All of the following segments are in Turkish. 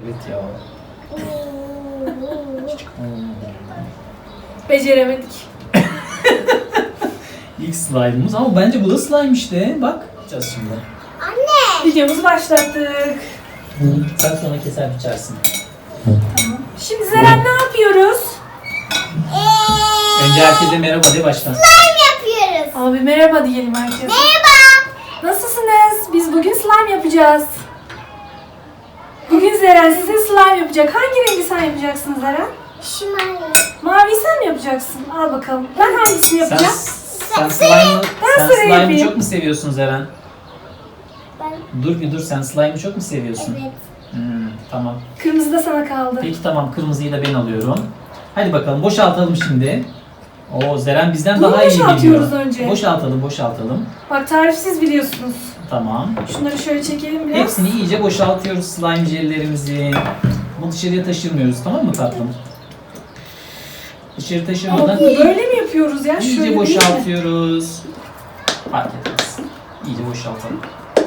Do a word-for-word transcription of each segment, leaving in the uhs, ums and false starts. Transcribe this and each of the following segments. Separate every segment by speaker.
Speaker 1: Evet ya.
Speaker 2: Beceremedik.
Speaker 1: İlk slime'ımız ama bence bu da slime işte. Bak. Yapacağız şimdi.
Speaker 3: Anne.
Speaker 2: Videomuzu başlattık.
Speaker 1: Sen sonra keser biçersin.
Speaker 2: Tamam. Şimdi Zeren ne yapıyoruz?
Speaker 3: Ee,
Speaker 1: Önce herkese merhaba de başla.
Speaker 3: slime yapıyoruz.
Speaker 2: Abi merhaba diyelim herkese.
Speaker 3: Merhaba.
Speaker 2: Nasılsınız? Biz bugün slime yapacağız. Bugün Zeren size slime yapacak. Hangi rengi sen yapacaksın Zeren?
Speaker 3: Şu mavi.
Speaker 2: Mavi sen mi yapacaksın? Al bakalım. Ben hangisini
Speaker 1: Sen,
Speaker 2: yapacağım?
Speaker 1: sen slime'ı
Speaker 2: Ben
Speaker 1: sen
Speaker 2: sıra
Speaker 1: slime'ı
Speaker 2: yapayım.
Speaker 1: çok mu seviyorsun Zeren?
Speaker 3: Ben.
Speaker 1: Dur bir dur, sen slime'ı çok mu seviyorsun?
Speaker 3: Evet.
Speaker 1: Hmm, tamam.
Speaker 2: Kırmızı da sana kaldı.
Speaker 1: Peki tamam, kırmızıyı da ben alıyorum. Hadi bakalım boşaltalım şimdi. Oo, Zeren bizden
Speaker 2: Bunu
Speaker 1: daha iyi biliyor.
Speaker 2: boşaltıyoruz önce.
Speaker 1: Boşaltalım boşaltalım.
Speaker 2: Bak tarifsiz biliyorsunuz.
Speaker 1: Tamam.
Speaker 2: Şunları şöyle çekelim biraz.
Speaker 1: Hepsini iyice boşaltıyoruz slime jellerimizi. Bunu dışarıya taşırmıyoruz, tamam mı tatlım? Dışarı
Speaker 2: Ama
Speaker 1: taşırmadan
Speaker 2: bunu böyle mi yapıyoruz ya?
Speaker 1: iyice
Speaker 2: Şöyle değil mi?
Speaker 1: boşaltıyoruz. Fark etmez. İyice boşaltalım.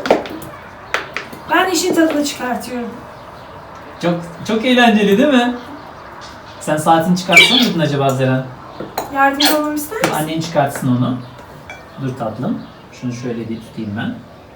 Speaker 2: Ben işin tadını çıkartıyorum.
Speaker 1: Çok çok eğlenceli değil mi? Sen saatini çıkartsan mıydın acaba Zeren?
Speaker 2: Yardımcı olmamı ister misin?
Speaker 1: Annen çıkartsın onu. Dur tatlım. Şunu şöyle bir tutayım ben.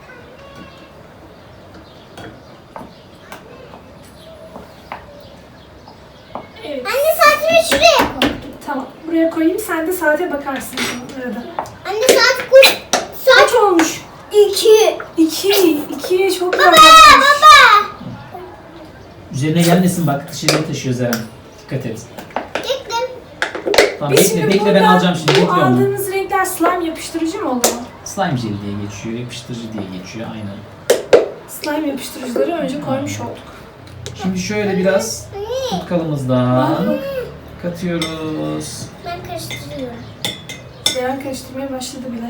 Speaker 2: Evet.
Speaker 3: Anne saatimi şuraya koy.
Speaker 2: Tamam. Buraya koyayım. Sen de saate bakarsın arada.
Speaker 3: Anne saat koy. Saat
Speaker 2: Kaç olmuş?
Speaker 3: iki.
Speaker 2: İki. İkiye çok
Speaker 3: Baba
Speaker 2: yaklaşmış.
Speaker 3: baba.
Speaker 1: Üzerine gelmesin bak, dışarıya taşıyor Zeren. Dikkat et.
Speaker 3: Gittim.
Speaker 1: Tamam
Speaker 2: Biz
Speaker 1: bekle,
Speaker 2: şimdi
Speaker 1: bekle ben
Speaker 2: burada
Speaker 1: alacağım şimdi.
Speaker 2: Bu
Speaker 1: Bekle onu.
Speaker 2: aldığımız renkler slime yapıştırıcı mı oluyor?
Speaker 1: Slime jeli diye geçiyor, yapıştırıcı diye geçiyor aynen.
Speaker 2: Slime yapıştırıcıları önce koymuş olduk.
Speaker 1: Şimdi şöyle biraz
Speaker 3: Anne.
Speaker 1: tutkalımızdan katıyoruz.
Speaker 3: Ben karıştırıyorum.
Speaker 2: Zeren karıştırmaya başladı bile.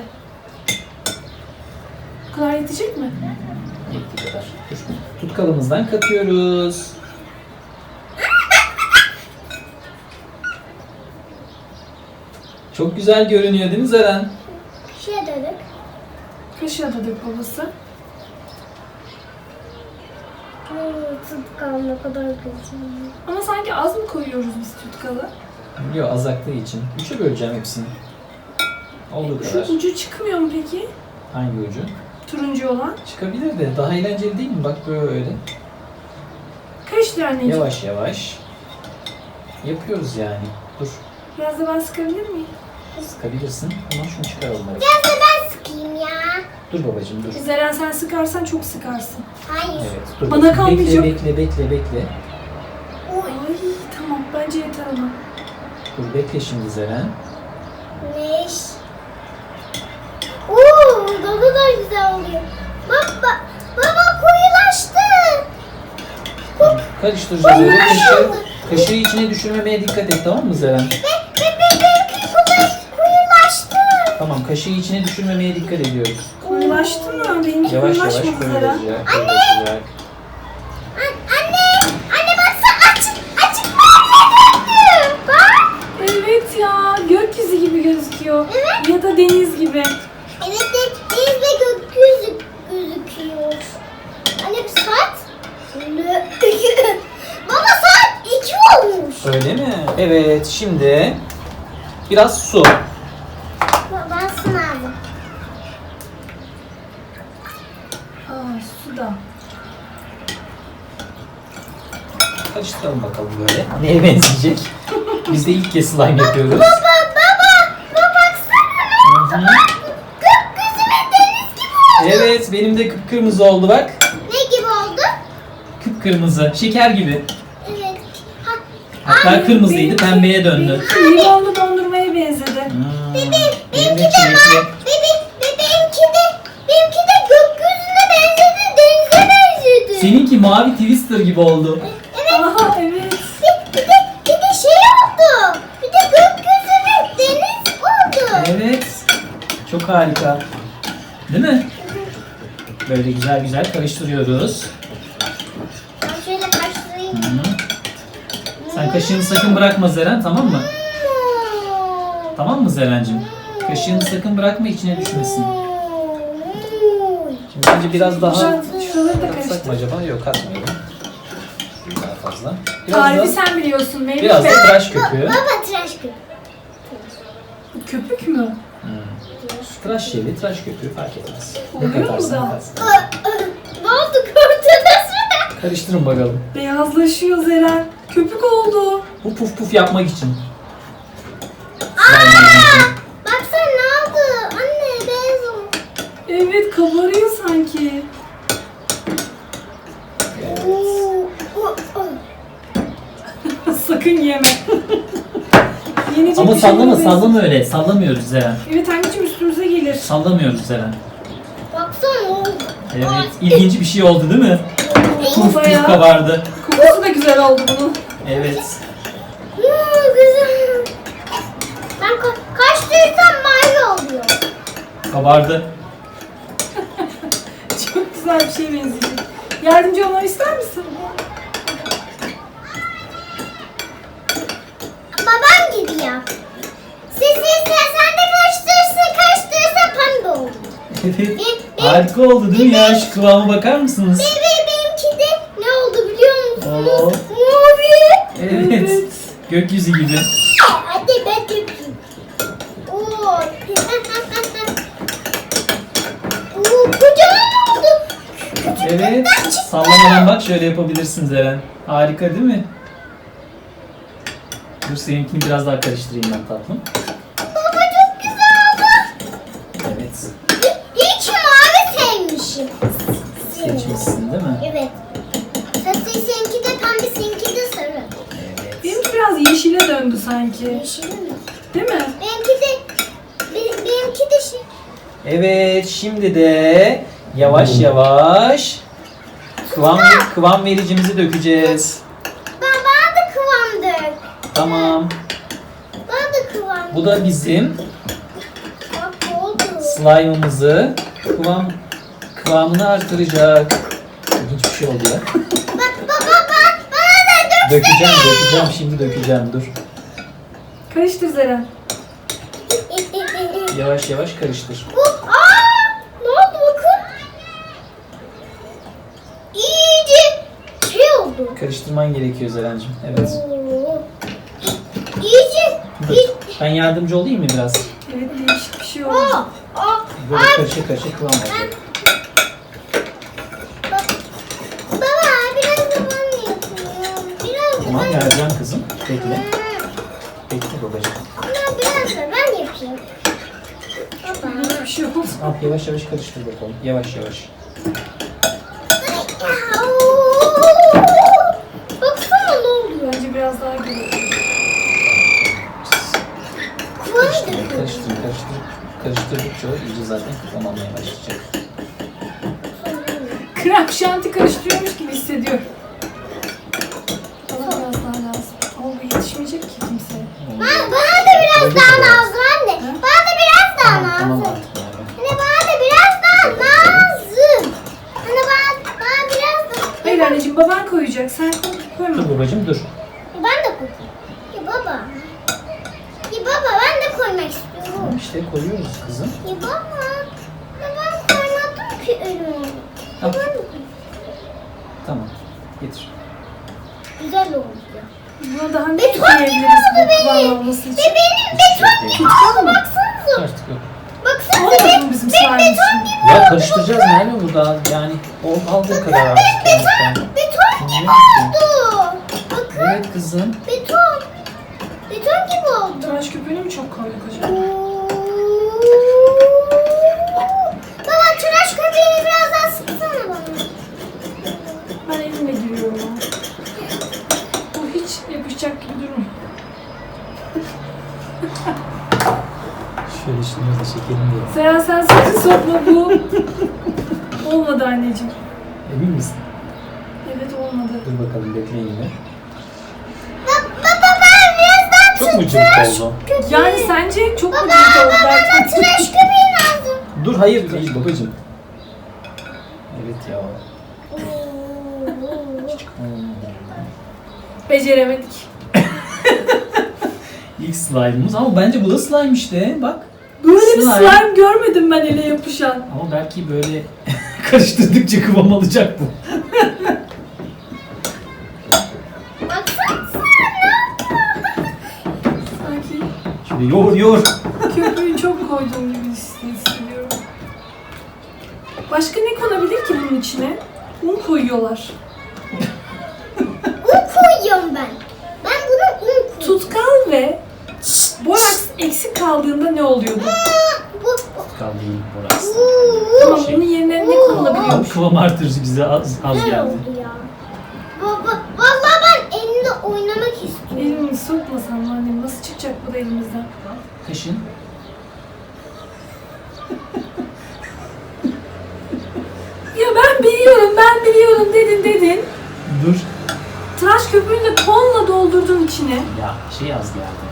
Speaker 2: Bu kadar yetecek mi?
Speaker 1: Yettiği kadar. Dur. Tutkalımızdan katıyoruz. Çok güzel görünüyor değil mi Zeren?
Speaker 3: Şuraya dönük.
Speaker 2: Kaşığa da dök babası.
Speaker 3: Tutkal ne kadar güzel.
Speaker 2: Ama sanki az mı koyuyoruz biz tutkalı?
Speaker 1: Yok, az aktığı için. Üçe böleceğim hepsini. Olduğu
Speaker 2: Şu
Speaker 1: kadar.
Speaker 2: ucu çıkmıyor mu peki?
Speaker 1: Hangi ucu?
Speaker 2: Turuncu olan.
Speaker 1: Çıkabilir de daha eğlenceli değil mi? Bak böyle.
Speaker 2: Karıştır anneciğim.
Speaker 1: Yavaş yavaş. Yapıyoruz yani. Dur.
Speaker 2: Biraz da ben sıkabilir miyim?
Speaker 1: Sıkabilirsin ama şunu çıkaralım. hadi.
Speaker 3: Biraz da ben sıkayım ya.
Speaker 1: Dur babacığım dur.
Speaker 2: Zeren sen sıkarsan çok sıkarsın.
Speaker 3: Hayır.
Speaker 1: Evet. Dur.
Speaker 2: Bana
Speaker 1: bakayım.
Speaker 2: kalmayacak.
Speaker 1: Bekle bekle bekle bekle.
Speaker 2: Ay tamam bence yeter ona.
Speaker 1: Dur bekle şimdi Zeren.
Speaker 3: Neş. Uuu ne kadar güzel oluyor. Baba, baba koyulaştı.
Speaker 1: Karıştıracağız öyle. Kaşığı, kaşığı içine düşürmemeye dikkat et, tamam mı Zeren?
Speaker 3: Ve, ve, ve benimki koyu- koyulaştı.
Speaker 1: Tamam, kaşığı içine düşürmemeye dikkat ediyoruz.
Speaker 2: Koyulaştı mı? Benimki
Speaker 1: Yavaş yavaş
Speaker 2: koyulaşmadı Zeren.
Speaker 1: koyulacak. koyulacak.
Speaker 3: An- Anne, anne baksana açık, açık mavi döndü. Bak.
Speaker 2: Evet ya gökyüzü gibi gözüküyor.
Speaker 3: Evet.
Speaker 2: Ya da deniz gibi.
Speaker 3: Evet de deniz ve gökyüzü gözüküyor. Anne bu saat? Ne? Baba saat iki olmuş.
Speaker 1: Öyle mi? Evet, şimdi biraz su.
Speaker 3: Baba sınavım.
Speaker 2: Aa suda.
Speaker 1: Karıştıralım bakalım böyle. Neye benzeyecek? Biz de ilk kez slime yapıyoruz.
Speaker 3: Baba, baba, baba baksana.
Speaker 1: Hı hı.
Speaker 3: Gökyüzü ve deniz gibi oldu.
Speaker 1: Evet, benim de kıpkırmızı oldu bak.
Speaker 3: Ne gibi oldu?
Speaker 1: Kıpkırmızı, şeker gibi.
Speaker 3: Evet. Ha,
Speaker 1: Hatta
Speaker 2: Ay,
Speaker 1: kırmızıydı,
Speaker 2: benim-
Speaker 1: pembeye döndü.
Speaker 2: Limonlu dondurmaya benzedi.
Speaker 1: Hmm,
Speaker 3: Benim,
Speaker 1: benim
Speaker 3: benimki
Speaker 1: de
Speaker 3: de
Speaker 1: çilekli.
Speaker 3: var. Benim, be- benimki de, benimki de gökyüzüne benzedi, denize benzedi.
Speaker 1: Seninki mavi Twister gibi oldu.
Speaker 2: Aha evet.
Speaker 3: Bir, bir de, bir de şey oldu. Bir de gökyüzü ve deniz oldu.
Speaker 1: Evet. Çok harika. Değil mi? Böyle güzel güzel karıştırıyoruz.
Speaker 3: Ben şöyle karşılayayım.
Speaker 1: Hı. Sen kaşığını sakın bırakma Zeren, tamam mı?
Speaker 3: Hmm.
Speaker 1: Tamam mı Zeren'cim? Kaşığını sakın bırakma, içine düşmesin. Şimdi bence biraz daha
Speaker 2: Şuraları da
Speaker 1: katsak
Speaker 2: karıştır.
Speaker 1: mı acaba? Yok, katmayalım. Daha fazla. Biraz
Speaker 2: Tarifi
Speaker 1: da,
Speaker 2: sen biliyorsun Meyve
Speaker 1: biraz da
Speaker 2: Bey.
Speaker 1: tıraş köpüğü.
Speaker 3: Baba tıraş köpüğü.
Speaker 2: Köpük mü?
Speaker 1: Hmm. Tıraş jeli, tıraş köpüğü fark etmez. Ne
Speaker 2: Oluyor mu
Speaker 1: katarsan
Speaker 2: da?
Speaker 1: katsın.
Speaker 3: Ne oldu korktunuz mu?
Speaker 1: Karıştırın bakalım.
Speaker 2: Beyazlaşıyor Zeren. Köpük oldu.
Speaker 1: Bu puf puf yapmak için.
Speaker 3: Baksana ne oldu? Anne beyaz oldu.
Speaker 2: Evet kabarıyor sanki.
Speaker 3: Oo, oo, oo.
Speaker 2: Sakın yeme. Yenecek
Speaker 1: Ama
Speaker 2: bir şey
Speaker 1: sallama,
Speaker 2: olmaz.
Speaker 1: sallama öyle. Sallamıyoruz Zeren.
Speaker 2: Evet anneciğim üstümüze gelir.
Speaker 1: Sallamıyoruz Zeren.
Speaker 3: Baksana oldu.
Speaker 1: Evet, ilginç bir şey oldu değil mi? Puf puf
Speaker 2: Bayağı.
Speaker 1: kabardı.
Speaker 2: Kokusu da güzel oldu bunun.
Speaker 1: Evet.
Speaker 3: Hmm, güzel. Ben ka kaç duysam mavi oluyor.
Speaker 1: Kabardı.
Speaker 2: Çok güzel bir şey benzeyecek. Yardımcı olmanı ister misin?
Speaker 3: Babam gibi yap. Siz ister sen de karıştırırsın karıştırırsan pembe olur.
Speaker 1: Evet.
Speaker 3: Bir-
Speaker 1: Harika oldu değil mi ya? Şu kıvama bakar mısınız?
Speaker 3: Bebeğim benimki de ne oldu biliyor musunuz?
Speaker 1: Oo.
Speaker 3: Mavi.
Speaker 1: Evet. Gökyüzü gibi.
Speaker 3: Hadi ben dökeyim. Oo. Oo, kocaman oldu.
Speaker 1: Evet. Sallamadan bak şöyle yapabilirsin Zeren. Harika değil mi? Dur seninkini biraz daha karıştırayım ben tatlım.
Speaker 3: Baba çok güzel oldu.
Speaker 1: Evet.
Speaker 3: Hiç mavi sevmişim.
Speaker 1: Seçmişsin değil mi?
Speaker 3: Evet. Zaten seninki de pembe, seninki de sarı.
Speaker 1: Evet.
Speaker 2: Benimki biraz yeşile döndü sanki.
Speaker 3: Yeşil mi?
Speaker 2: Değil mi?
Speaker 3: Benimki de, benim, benimki de şey.
Speaker 1: Evet. Şimdi de yavaş yavaş kıvam, kıvam vericimizi dökeceğiz.
Speaker 3: Ben bana da kıvam dök.
Speaker 1: Tamam.
Speaker 3: Bana da kıvam.
Speaker 1: Bu da bizim
Speaker 3: Bak oldu.
Speaker 1: slime'ımızı kıvam kıvamını artıracak. İlginç bir şey oldu ya.
Speaker 3: Bak baba bak bana da dök.
Speaker 1: Dökeceğim, dökeceğim. Şimdi dökeceğim. Dur.
Speaker 2: Karıştır Zeren.
Speaker 1: Yavaş yavaş karıştır.
Speaker 3: Bu, aa, ne oldu bakın. İyice şey oldu.
Speaker 1: Karıştırman gerekiyor Zeren'cim. Evet.
Speaker 3: Oo. İyice,
Speaker 1: Dur.
Speaker 3: iyice.
Speaker 1: Ben yardımcı olayım mı biraz?
Speaker 2: Evet değişik bir şey oldu.
Speaker 3: Aa, aa,
Speaker 1: Böyle
Speaker 3: aa.
Speaker 1: karışık karışık kıvam olacak.
Speaker 3: Bak, baba biraz da ben yapıyorum. Biraz da
Speaker 1: Tamam
Speaker 3: ben
Speaker 1: vereceğim kızım. Bekle.
Speaker 3: yapıyorum.
Speaker 1: Bekle babacığım.
Speaker 3: Ama biraz da ben yapayım. Baba.
Speaker 2: Bir şey oldu.
Speaker 1: Al yavaş yavaş karıştır bakalım. Yavaş yavaş.
Speaker 3: Oo. Baksana ne oluyor.
Speaker 2: Bence biraz daha gelir.
Speaker 3: Kıvamı
Speaker 1: Karıştır,
Speaker 3: döküyor.
Speaker 1: karıştır, karıştır. Karıştırdıkça o iyice zaten kıvam almaya başlayacak.
Speaker 2: Krem şanti karıştırıyormuş gibi hissediyorum. Bana biraz daha lazım. Ama bu yetişmeyecek ki kimseye.
Speaker 3: Bana, bana da biraz daha lazım anne. Bana da biraz daha
Speaker 1: Tamam, tamam
Speaker 3: lazım.
Speaker 1: artık yani.
Speaker 3: Anne bana da biraz daha lazım. Anne bana, bana biraz daha.
Speaker 2: Hayır anneciğim baban koyacak. Sen koy, koyma.
Speaker 1: Dur babacığım dur.
Speaker 3: Ya ben de koyayım. Ya baba. Ya baba ben de koymak istiyorum.
Speaker 1: Tamam işte koyuyoruz kızım.
Speaker 3: Ya baba. Ya ben koymadım ki ürünü.
Speaker 1: Al.
Speaker 3: Ben de koyayım.
Speaker 1: Tamam. Getir.
Speaker 3: Güzel oldu.
Speaker 2: Buna daha ne
Speaker 3: Beton
Speaker 2: ekleyebiliriz
Speaker 3: gibi oldu
Speaker 2: bu kıvam
Speaker 3: benim.
Speaker 2: olması
Speaker 3: Ve
Speaker 2: için?
Speaker 3: benim beton gibi oldu baksanıza.
Speaker 1: Artık yok.
Speaker 3: Baksanıza
Speaker 2: Olmadı
Speaker 3: benim,
Speaker 2: mı bizim
Speaker 3: benim
Speaker 2: slime
Speaker 3: beton
Speaker 2: için?
Speaker 3: gibi
Speaker 1: Ya
Speaker 3: oldu.
Speaker 1: karıştıracağız Merve burada. Yani o aldığı kadar artık. Yani sen.
Speaker 3: Beton gibi oldu. Bakın
Speaker 1: Evet kızım.
Speaker 3: beton. Beton gibi oldu.
Speaker 2: Tıraş köpüğünü mü çok koyduk acaba?
Speaker 3: Baba tıraş köpüğünü biraz daha sıksana bana.
Speaker 2: Ben elimle giriyorum ama. Bu hiç yapışacak gibi durmuyor.
Speaker 1: Şöyle şunları da çekelim diye.
Speaker 2: Seren sen sakın sokma bu. Olmadı anneciğim.
Speaker 1: Emin misin?
Speaker 2: Evet olmadı.
Speaker 1: Dur bakalım bekleyin yine.
Speaker 3: Baba ben biraz daha
Speaker 1: Çok mu cıvık oldu?
Speaker 2: Yani sence çok mu
Speaker 3: Baba
Speaker 2: cıvık oldu
Speaker 3: bana
Speaker 2: derken?
Speaker 3: tıraş köpüğü lazım.
Speaker 1: Dur hayır değil babacığım. Evet ya. Hmm.
Speaker 2: Beceremedik.
Speaker 1: İlk slime'ımız ama bence bu da slime işte. Bak.
Speaker 2: Böyle bir
Speaker 1: Slime.
Speaker 2: slime görmedim ben ele yapışan.
Speaker 1: Ama belki böyle karıştırdıkça kıvam alacak bu. gibi. Yoğur yoğur.
Speaker 2: Köpüğü çok koyduğum gibi hissediyorum. Başka ne konabilir ki bunun içine? Un koyuyorlar.
Speaker 3: Un koyuyorum ben. Ben buna un koyuyorum.
Speaker 2: Tutkal ve boraks eksik kaldığında ne oluyordu?
Speaker 3: Bu, bu.
Speaker 1: Kaldı değil burası.
Speaker 2: Tamam, bunun yerine ne konulabiliyormuş?
Speaker 1: Kıvam artırıcı bize az, az
Speaker 3: Ne
Speaker 1: geldi.
Speaker 3: oldu ya? Baba, vallahi ben elimde oynamak istiyorum.
Speaker 2: Elimi sokmasam mı annem? Nasıl çıkacak bu da elimizden?
Speaker 1: Kaşın.
Speaker 2: Ya ben biliyorum, ben biliyorum dedin dedin.
Speaker 1: Dur.
Speaker 2: Tıraş köpüğünü de tonla doldurdun içine.
Speaker 1: Ya şey az geldi.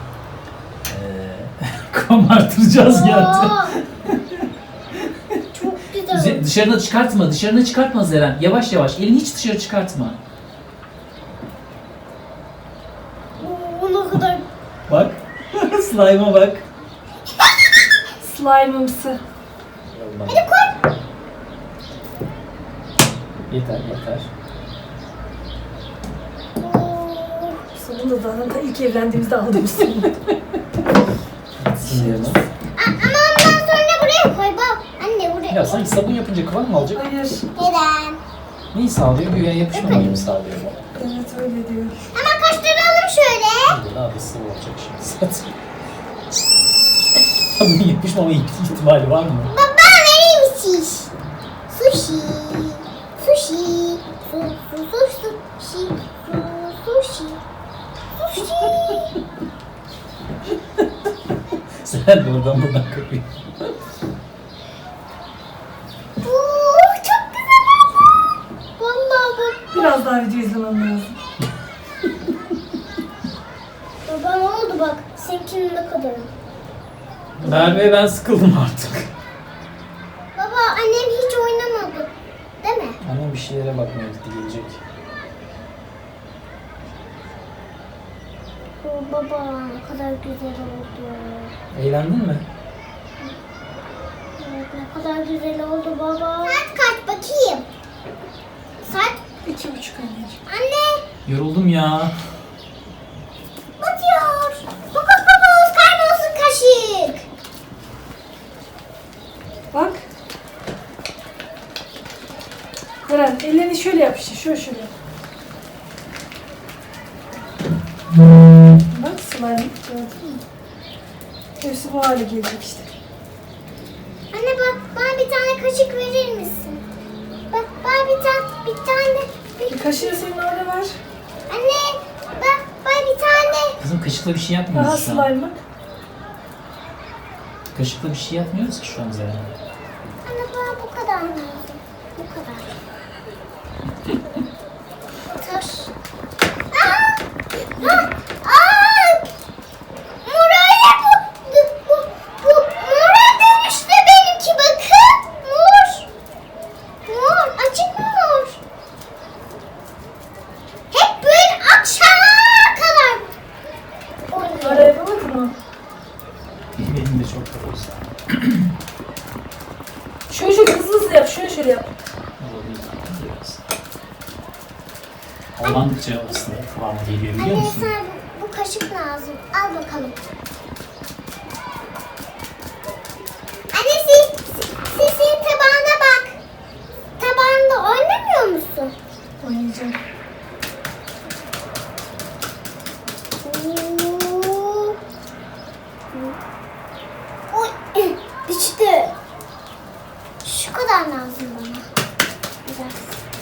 Speaker 1: Ee, kıvam artırıcı az geldi.
Speaker 3: Aa, çok güzel.
Speaker 1: Üze- Dışarına çıkartma, dışarına çıkartma Zeren. Yavaş yavaş, elini hiç dışarı çıkartma.
Speaker 3: Oo, ne kadar.
Speaker 1: Bak, slime'a bak.
Speaker 2: Slime'ımsı.
Speaker 1: Hadi koy. Yeter, yeter.
Speaker 3: Oo.
Speaker 2: Sonunda zaten da ilk evlendiğimizde aldığımız sonu.
Speaker 1: Sinirlenme.
Speaker 3: A- Ama ondan sonra buraya koy bak. Anne buraya.
Speaker 1: Ya sanki sabun yapınca kıvam mı alacak?
Speaker 2: Hayır.
Speaker 3: Neden?
Speaker 1: Neyi sağlıyor? Güya yapışmamayı mı sağlıyor bu?
Speaker 2: Evet öyle diyor.
Speaker 3: Ama kaşlaralım şöyle.
Speaker 1: Hadi daha da sıvı olacak şimdi zaten. Sabunun yapışmama ihtimali var mı?
Speaker 3: Baba vereyim şiş. Sushi. Sushi. Su su su sushi. Su sushi. Sushi.
Speaker 1: Sen de oradan buradan kapıyor.
Speaker 3: Oo, çok güzel oldu. Vallahi bak.
Speaker 2: Biraz daha video izlemem lazım.
Speaker 3: Baba ne oldu bak. Seninkinin ne kadar?
Speaker 1: Merve ben sıkıldım artık.
Speaker 3: Baba annem hiç oynamadı. Değil mi?
Speaker 1: Annem bir şeylere bakmaya gitti, gelecek.
Speaker 3: Oo, baba ne kadar güzel oldu.
Speaker 1: Eğlendin mi?
Speaker 3: Evet ne kadar güzel oldu baba. Saat kaç bakayım. Saat
Speaker 2: İki buçuk anneciğim.
Speaker 3: anne
Speaker 1: Yoruldum ya.
Speaker 3: batıyor. Fokus fokus kaybolsun kaşık.
Speaker 2: Bak. Eren ellerini şöyle yap işte. Şöyle şöyle. Bak slime. Gördün mü? Hepsi bu hale gelecek işte.
Speaker 3: Anne bak bana bir tane kaşık verir misin? Bak bana bir tane bir tane bir...
Speaker 2: Bir kaşığı senin orada var.
Speaker 3: Anne bak bana bir tane.
Speaker 1: Kızım kaşıkla bir şey
Speaker 2: Daha
Speaker 1: yapmıyoruz şu an.
Speaker 2: slime bak.
Speaker 1: Kaşıkla bir şey yapmıyoruz ki şu an Zeren.
Speaker 3: Anne bana bu kadar lazım. Bu kadar. Taş. Aa! Aa! Aa! Morale bu. Bu, bu, bu mora dönüştü benimki bakın. Mor. Mor. Açık mı mor? Hep böyle akşama kadar oynuyor.
Speaker 2: Ara yapamadın mı?
Speaker 1: Benim de çok da olsa.
Speaker 2: Şöyle şöyle hızlı hızlı yap. Şöyle şöyle yap.
Speaker 1: Biraz. Havalandıkça aslında kıvamı geliyor biliyor
Speaker 3: Anne
Speaker 1: musun?
Speaker 3: sana bu, bu kaşık lazım. Al bakalım. Anne siz, siz senin tabağına bak. Tabağında oynamıyor musun?
Speaker 2: Oynayacağım.
Speaker 3: Oo. Oy, düştü. Şu kadar lazım bana. Biraz.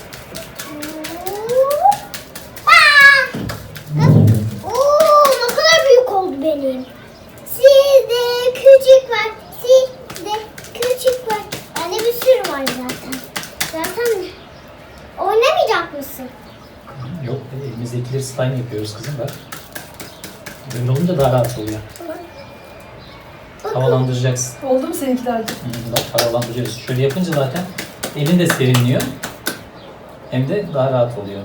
Speaker 3: Oo. Aa! Oo, ne kadar büyük oldu benim. Sizde küçük var. Sizde küçük var. Bende bir sürü var zaten. Zaten oynamayacak mısın?
Speaker 1: Yok, elimizdekileri slime yapıyoruz kızım bak. Böyle olunca daha rahat oluyor. Havalandıracaksın.
Speaker 2: Oldu mu seninkiler de?
Speaker 1: Hı, bak havalandırıyoruz. Şöyle yapınca zaten elin de serinliyor. Hem de daha rahat oluyor.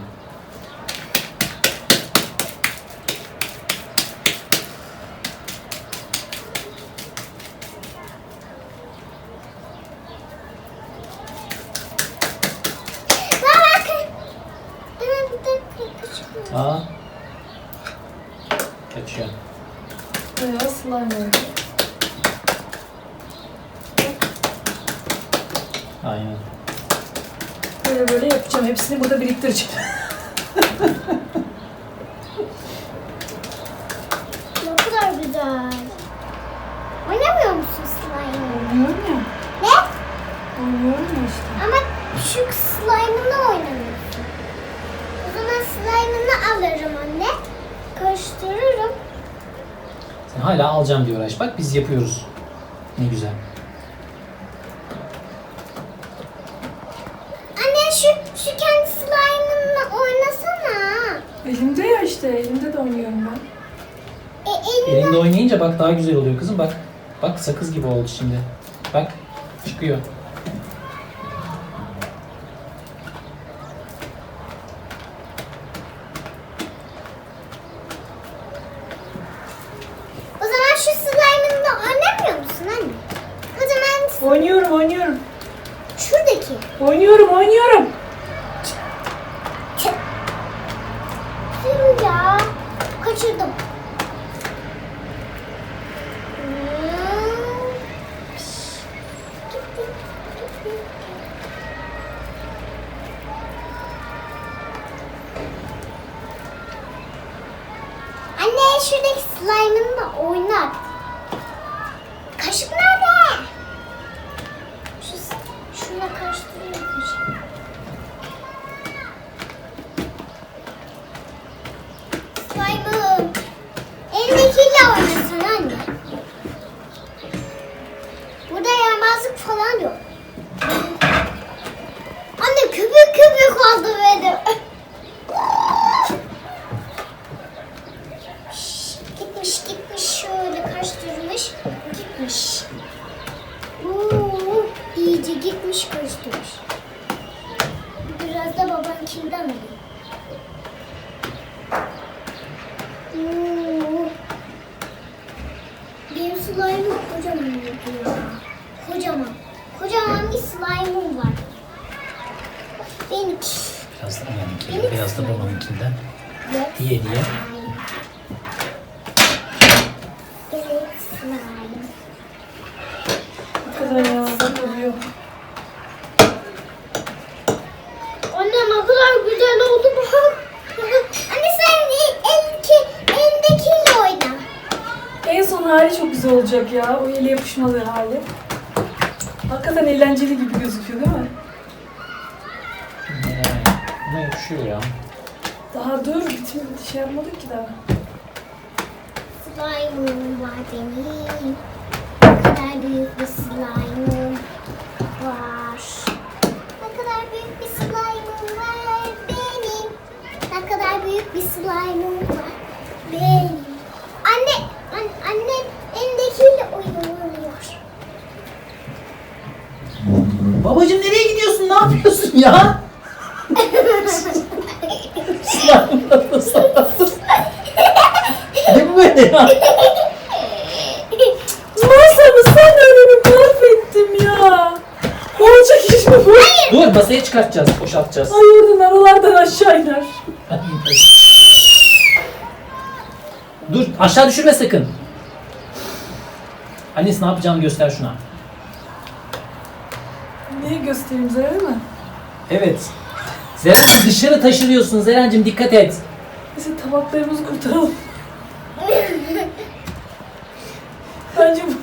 Speaker 3: Bak bakın. Bana bir de küçük var.
Speaker 1: Aa. Kaçıyor.
Speaker 2: Bayağı slime oldu.
Speaker 1: Aynen.
Speaker 2: Böyle böyle yapacağım. Hepsini burada biriktireceğim.
Speaker 3: Ne kadar güzel. Oynamıyor musun slime?
Speaker 2: Oynuyorum ya.
Speaker 3: Ne?
Speaker 2: Oynuyorum ya işte.
Speaker 3: Ama şu slime'ını oynamıyorsun. O zaman slime'ını alırım anne. Karıştırırım.
Speaker 1: Sen hala alacağım diye uğraş. Bak biz yapıyoruz. Ne güzel.
Speaker 3: Anne şu, şu kendi slime'ınla oynasana.
Speaker 2: Elimde ya işte. Elimde de oynuyorum ben.
Speaker 3: E, elini
Speaker 1: Elinde oynayınca bak daha güzel oluyor kızım bak. Bak sakız gibi oldu şimdi. Bak çıkıyor.
Speaker 3: O zaman şu slime'ınla oynamıyor musun anne? O zaman
Speaker 2: Oynuyorum, oynuyorum.
Speaker 3: şuradaki.
Speaker 2: Oynuyorum, oynuyorum.
Speaker 3: Tüh ya. Kaçırdım. Hmm. Anne şuradaki slime'ınla oynar. Kaşık nerede? Şu, şuna karıştırıyorum kaşığı. Slime'ım. Elindekiyle oynasın anne. Burada yaramazlık falan yok. Anne köpük köpük oldu benim. Şş, gitmiş gitmiş şöyle karıştırmış. Gitmiş. Oo, iyice gitmiş karıştırmış. Biraz da babankinden alayım. Oo. Benim slime'ım kocaman oldu ya. Kocaman. Kocaman bir slime'ım var. Benimki.
Speaker 1: Biraz da anneninkinden, biraz da babanınkinden.
Speaker 3: Evet.
Speaker 1: Diye diye.
Speaker 3: Evet slime.
Speaker 2: Ne kadar yağda oluyor.
Speaker 3: Anne ne kadar güzel oldu bak. Anne sen elindeki, elindekiyle oyna.
Speaker 2: En son hali çok güzel olacak ya. O ele yapışmalı hali. Hakikaten eğlenceli gibi gözüküyor değil mi?
Speaker 1: Yani, buna yakışıyor ya.
Speaker 2: Daha dur, bitmedi. Şey yapmadık ki daha.
Speaker 3: Slime'ım var benim. Ne kadar büyük bir slime'ım var. Ne kadar büyük bir slime'ım var benim. Ne kadar büyük bir slime'ım var benim. Anne, an, annem elindekiyle oynuyor.
Speaker 1: Babacım nereye gidiyorsun? Ne yapıyorsun ya? Slime'la sallattın. Ne bu böyle ya?
Speaker 2: Masamı sen önümü mahvettim ya. Olacak iş mi bu?
Speaker 1: Dur masaya çıkartacağız, boşaltacağız.
Speaker 2: Ay oradan aralardan aşağı iner.
Speaker 1: Dur aşağı düşürme sakın. Annesi ne yapacağını göster şuna.
Speaker 2: Neyi göstereyim Zerre mi?
Speaker 1: Evet. Zeren'cim dışarı taşırıyorsun Zeren'cim dikkat et.
Speaker 2: Neyse tabaklarımızı kurtaralım. Bence bu.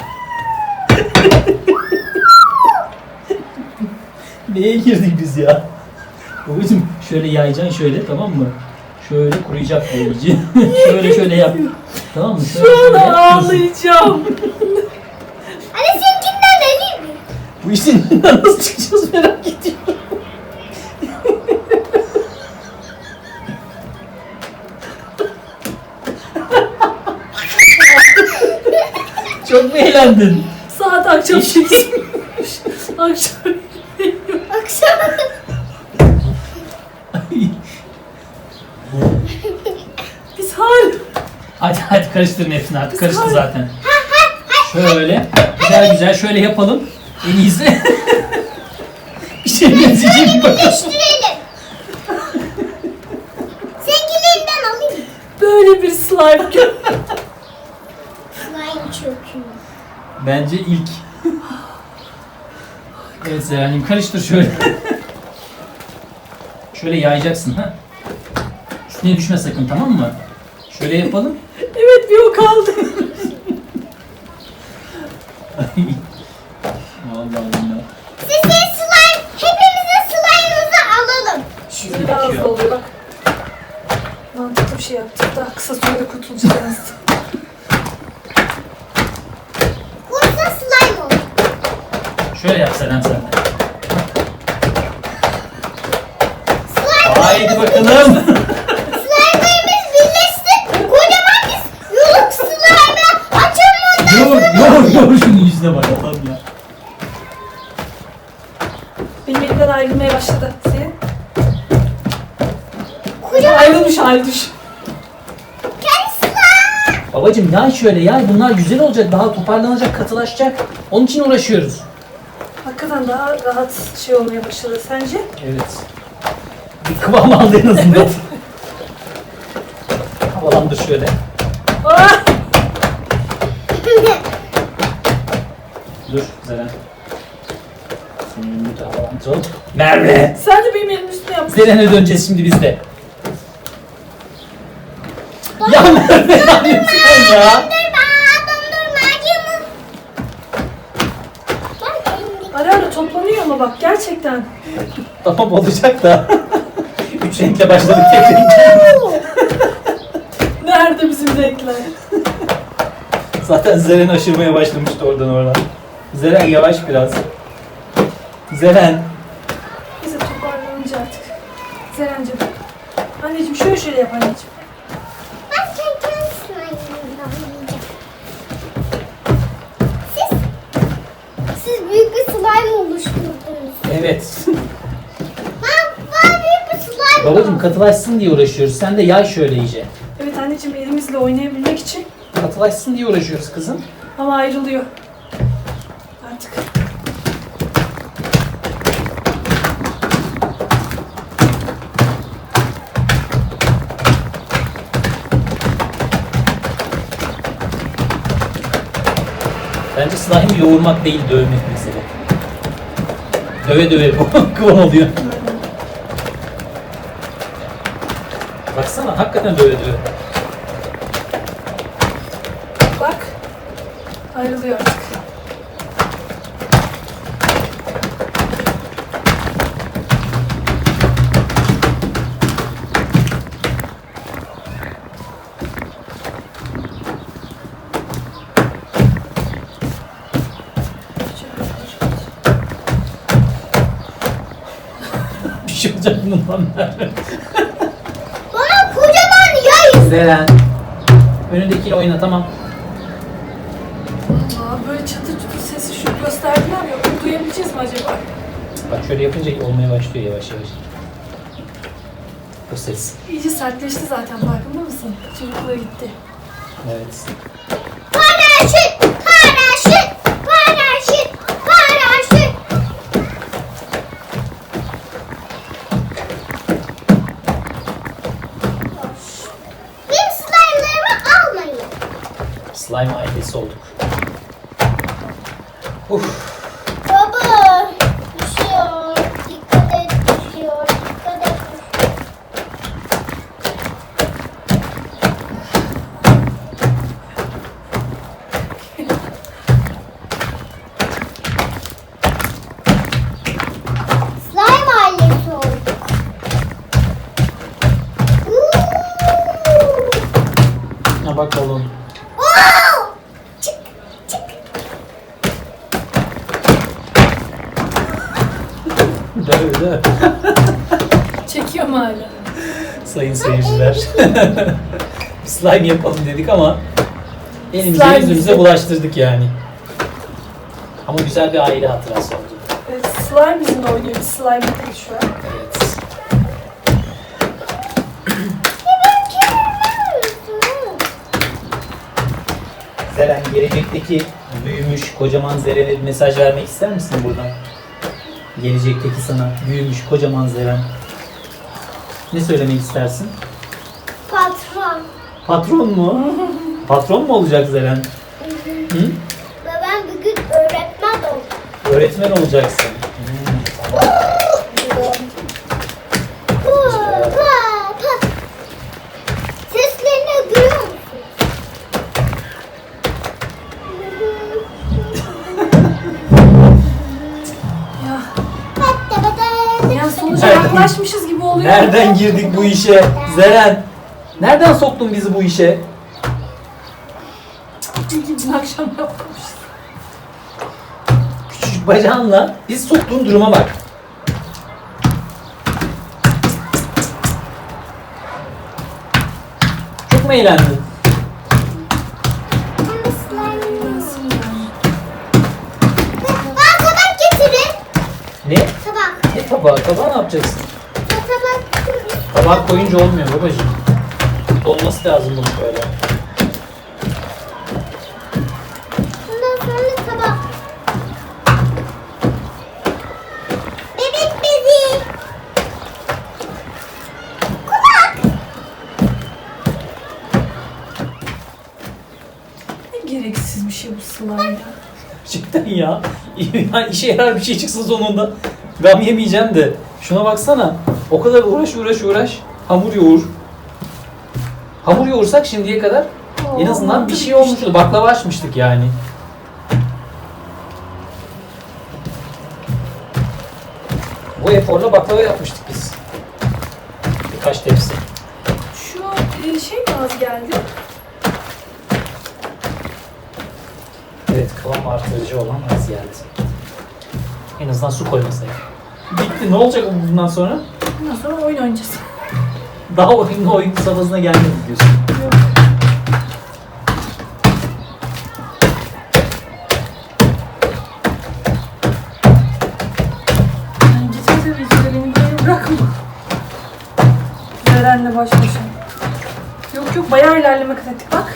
Speaker 1: Neye girdik biz ya? Babacım şöyle yayacaksın şöyle tamam mı? Şöyle kuruyacak bu iyice. şöyle şöyle yap. Tamam mı? Şöyle
Speaker 2: Şu
Speaker 1: şöyle
Speaker 2: an
Speaker 1: yap.
Speaker 2: ağlayacağım.
Speaker 3: Anne seninkinden alayım mı?
Speaker 1: Bu işin içinden nasıl çıkacağız merak ediyorum. Çok mu eğlendin?
Speaker 2: Saat akşam sekiz. Akşam.
Speaker 3: Akşam.
Speaker 2: Biz hala.
Speaker 1: Hadi hadi karıştırın hepsini artık karıştı
Speaker 2: Hayır.
Speaker 1: zaten. Şöyle güzel güzel şöyle yapalım. En iyisi. Bir şey benzeyecek bir bakalım.
Speaker 3: Değiştirelim. Seninkilerinden alayım mı?
Speaker 2: Böyle bir slime gör.
Speaker 1: Bence ilk. Evet Zeren'cim karıştır şöyle. Şöyle yayacaksın ha. Üstüne düşme sakın, tamam mı? Şöyle yapalım.
Speaker 2: Evet, bir o kaldı.
Speaker 1: Vallahi Allah.
Speaker 3: Size slime, hepimize slime'ımızı alalım.
Speaker 2: Şöyle daha hızlı oluyor bak. Mantıklı bir şey yaptık. Daha kısa sürede kurtulacağız.
Speaker 3: Kursa slime olur.
Speaker 1: Şöyle yap Seren sen de.
Speaker 3: Slime,
Speaker 1: Haydi bakalım.
Speaker 3: slime'larımız birleşsin. Kocaman biz yoluk slime'ı açalım ondan
Speaker 1: Yor,
Speaker 3: sonra.
Speaker 1: yor, yor şunun yüzüne bak Allah'ım ya.
Speaker 2: Benim elimden ayrılmaya başladı. Senin?
Speaker 3: Kocaman
Speaker 2: Ayrılmış hali düş.
Speaker 3: kendi slime.
Speaker 1: Babacım yay şöyle yay, bunlar güzel olacak, daha toparlanacak, katılaşacak. Onun için uğraşıyoruz.
Speaker 2: Hakikaten daha rahat şey olmaya başladı sence?
Speaker 1: Evet. Bir kıvam aldı en azından. Havalandır şöyle.
Speaker 2: Ah!
Speaker 1: Dur Zeren. Senin önünü de havalandıralım. Merve!
Speaker 2: Sen de benim elimin üstüne yapmışsın.
Speaker 1: Zeren'e döneceğiz şimdi biz de. Ya Merve ne yapıyorsun sen ya?
Speaker 3: Dondurma, dondurma, yumur. Ben elimdeki
Speaker 2: Ara ara toplanıyor ama bak gerçekten.
Speaker 1: Tamam olacak da. Üç renkle başladık tek renkle.
Speaker 2: Nerede bizim renkler?
Speaker 1: Zaten Zeren aşırmaya başlamıştı oradan oradan. Zeren yavaş biraz. Zeren.
Speaker 2: Neyse toparlanınca artık. Zerencim. Anneciğim şöyle şöyle yap anneciğim.
Speaker 3: ben kendi slime'ımla oynayacağım. Siz, siz büyük bir slime oluşturdunuz.
Speaker 1: Evet.
Speaker 3: Ben, ben büyük bir slime
Speaker 1: Babacım katılaşsın diye uğraşıyoruz. Sen de yay şöyle iyice.
Speaker 2: Evet anneciğim elimizle oynayabilmek için
Speaker 1: Katılaşsın diye uğraşıyoruz kızım.
Speaker 2: ama ayrılıyor. Artık.
Speaker 1: Bence slime yoğurmak değil, dövmek mesele. Döve döve bu kıvam oluyor. Baksana hakikaten döve döve.
Speaker 2: Bak. Ayrılıyor artık.
Speaker 1: Bir şey olacak bundan Merve.
Speaker 3: Bana kocaman yay.
Speaker 1: Zeren. Önündekiyle oyna tamam.
Speaker 2: Aa, böyle çatır çutur sesi şu gösterdiler ya. Onu duyabileceğiz mi acaba?
Speaker 1: Bak şöyle yapınca olmaya başlıyor yavaş yavaş. O ses.
Speaker 2: İyice sertleşti zaten farkında mısın? Çocukluğa gitti.
Speaker 1: Evet.
Speaker 3: Paraşüt, paraşüt, paraşüt, paraşüt. Benim slime'larımı almayın.
Speaker 1: Slime ailesi olduk. Uf.
Speaker 3: Baba, düşüyor. Dikkat et, düşüyor. Dikkat et. Slime ailesi olduk. Uuu.
Speaker 1: Ha bakalım.
Speaker 3: Wow! Çık, çık.
Speaker 1: Döv döv.
Speaker 2: Çekiyor mu hala?
Speaker 1: Sayın seyirciler. Slime yapalım dedik ama elimize
Speaker 2: Slime
Speaker 1: yüzümüze
Speaker 2: bizi-
Speaker 1: bulaştırdık yani. Ama güzel bir aile hatırası oldu.
Speaker 2: Evet, slime bizimle oynuyor. Biz slime değil şu an.
Speaker 1: Evet. Zeren, gelecekteki büyümüş kocaman Zeren'e bir mesaj vermek ister misin buradan? Gelecekteki sana büyümüş kocaman Zeren. Ne söylemek istersin?
Speaker 3: Patron.
Speaker 1: Patron mu? Patron mu olacak Zeren? Hı?
Speaker 3: Ve ben bugün
Speaker 1: Öğretmen olacaksın. Hmm, tamam.
Speaker 3: Pa, pa, pa. Seslerini duyuyor musun?
Speaker 2: Ya,
Speaker 3: Hatta bada-
Speaker 2: ya sonuca yaklaşmışız gibi oluyor.
Speaker 1: Nereden girdik bu işe? Zeren. Nereden soktun bizi bu işe?
Speaker 2: Dün akşam yapmışız.
Speaker 1: Küçücük bacağınla biz soktuğun duruma bak. Çok mu eğlendin?
Speaker 3: Ben slime. Bana tabak getirin.
Speaker 1: Ne?
Speaker 3: Tabak.
Speaker 1: Ne tabağı? Tabağı ne yapacaksın?
Speaker 3: Tabak.
Speaker 1: Tabağı koyunca olmuyor babacığım. Olması lazım bunun böyle.
Speaker 3: Bundan sonra tabak. Bebek bezi. Kulak.
Speaker 2: Ne gereksiz bir şey bu slime ya.
Speaker 1: Cidden ya. Ya işe yarar bir şey çıksın sonunda. Gam yemeyeceğim de. Şuna baksana. O kadar uğraş uğraş uğraş. Hamur yoğur. Hamur yoğursak şimdiye kadar en azından bir şey olmuştu. Baklava açmıştık yani. Bu eforla baklava yapmıştık biz. Birkaç tepsi.
Speaker 2: Şu e, şey mi az geldi?
Speaker 1: Evet, kıvam artırıcı olan az geldi. En azından su koymasaydık. Bitti. Ne olacak bundan sonra?
Speaker 2: Bundan sonra oyun oynayacağız.
Speaker 1: Daha oyunlu oyun safhasına gelmedik diyorsun.
Speaker 2: Yok. Yani geçen sene içinde beni böyle bırakma. Zeren'le baş başa. Yok yok bayağı ilerleme kat ettik bak.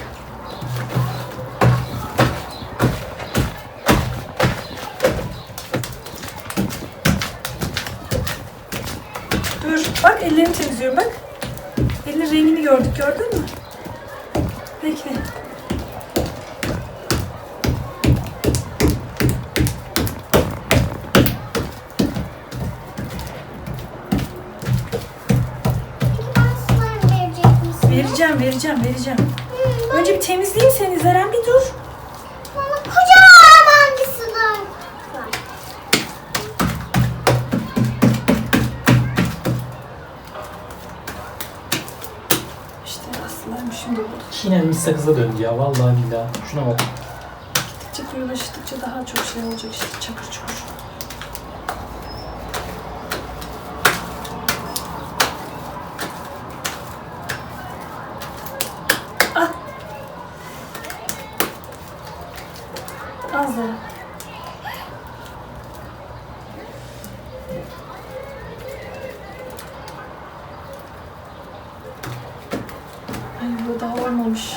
Speaker 2: Dur bak ellerini temizliyorum bak. Elinin rengini gördük gördün mü? Bekle.
Speaker 3: Bana slime verecek misin?
Speaker 2: Vereceğim vereceğim vereceğim. Önce bir temizleyeyim seni Zeren bir dur.
Speaker 3: Bana kocaman bir slime var.
Speaker 2: İşte aslında şimdi oldu.
Speaker 1: Çiğnenmiş sakıza döndü ya. Vallahi billahi. Şuna bak.
Speaker 2: Gittikçe koyulaştıkça daha çok şey olacak işte çakır çukur. Ah. Az daha. Ay bu daha olmamış.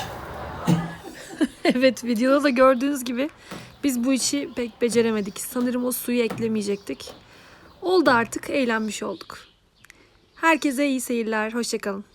Speaker 2: Evet videoda da gördüğünüz gibi biz bu işi pek beceremedik. Sanırım o suyu eklemeyecektik. Oldu artık eğlenmiş olduk. Herkese iyi seyirler. Hoşça kalın.